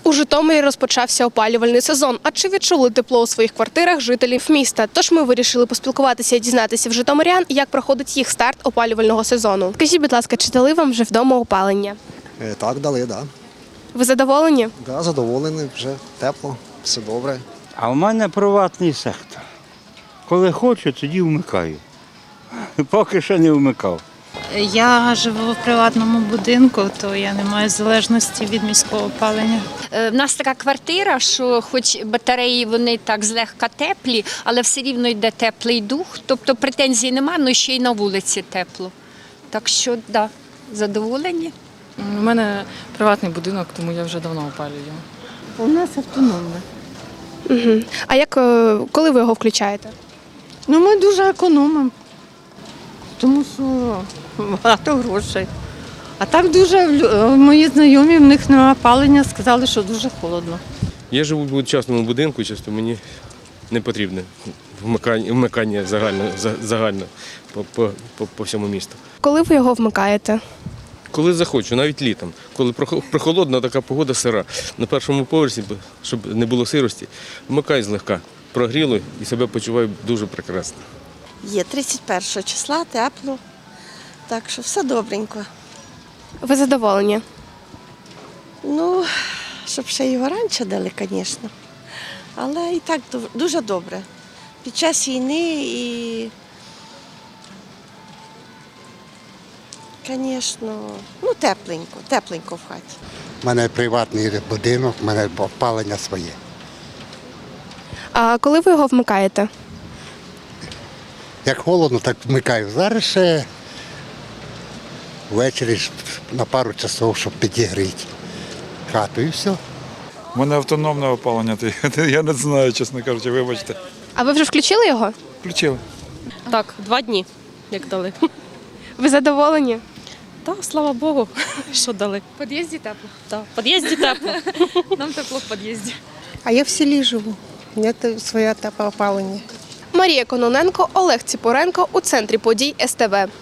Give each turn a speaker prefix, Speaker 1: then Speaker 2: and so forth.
Speaker 1: У Житомирі розпочався опалювальний сезон. А чи відчули тепло у своїх квартирах жителів міста? Тож ми вирішили поспілкуватися і дізнатися в житомирян, як проходить їх старт опалювального сезону. Скажіть, будь ласка, чи дали вам вже вдома опалення?
Speaker 2: Так, дали, так.
Speaker 1: Ви задоволені?
Speaker 2: Да, задоволений, вже тепло, все добре.
Speaker 3: А в мене приватний сектор. Коли хочу, тоді вмикаю. Поки що не вмикав.
Speaker 4: Я живу в приватному будинку, то я не маю залежності від міського опалення.
Speaker 5: В нас така квартира, що хоч батареї вони так злегка теплі, але все рівно йде теплий дух. Тобто претензій немає, але ще й на вулиці тепло. Так що, да, задоволені.
Speaker 6: У мене приватний будинок, тому я вже давно опалюю.
Speaker 7: У нас автономне.
Speaker 1: А коли ви його включаєте?
Speaker 7: Ну, ми дуже економимо, тому що багато грошей. А так дуже мої знайомі, в них немає опалення, сказали, що дуже холодно.
Speaker 8: Я живу в частному будинку, часто мені не потрібне вмикання загально по всьому місту.
Speaker 1: Коли ви його вмикаєте?
Speaker 8: Коли захочу, навіть літом, коли прохолодна така погода сира, на першому поверсі, щоб не було сирості, вмикаю злегка, прогріло і себе почуваю дуже прекрасно.
Speaker 9: Є 31 числа, тепло, так що все добренько.
Speaker 1: Ви задоволені?
Speaker 9: Ну, щоб ще його раніше дали, звісно. Але і так дуже добре. Під час війни і, звісно, ну тепленько в хаті.
Speaker 10: У мене приватний будинок, у мене опалення своє.
Speaker 1: А коли ви його вмикаєте?
Speaker 10: Як холодно, так вмикаю. Зараз ще ввечері на пару часов, щоб підігріти хату і все.
Speaker 11: У мене автономне опалення, я не знаю, чесно кажучи, вибачте.
Speaker 1: А ви вже включили його?
Speaker 11: Включили.
Speaker 6: Так, 2 дні, як дали.
Speaker 1: Ви задоволені?
Speaker 6: Так, слава Богу, що дали.
Speaker 1: В під'їзді тепло.
Speaker 6: Так, в під'їзді тепло. Нам тепло в під'їзді.
Speaker 7: А я в селі живу, у мене своє тепле опалення.
Speaker 1: Марія Кононенко, Олег Ціпоренко у центрі подій СТВ.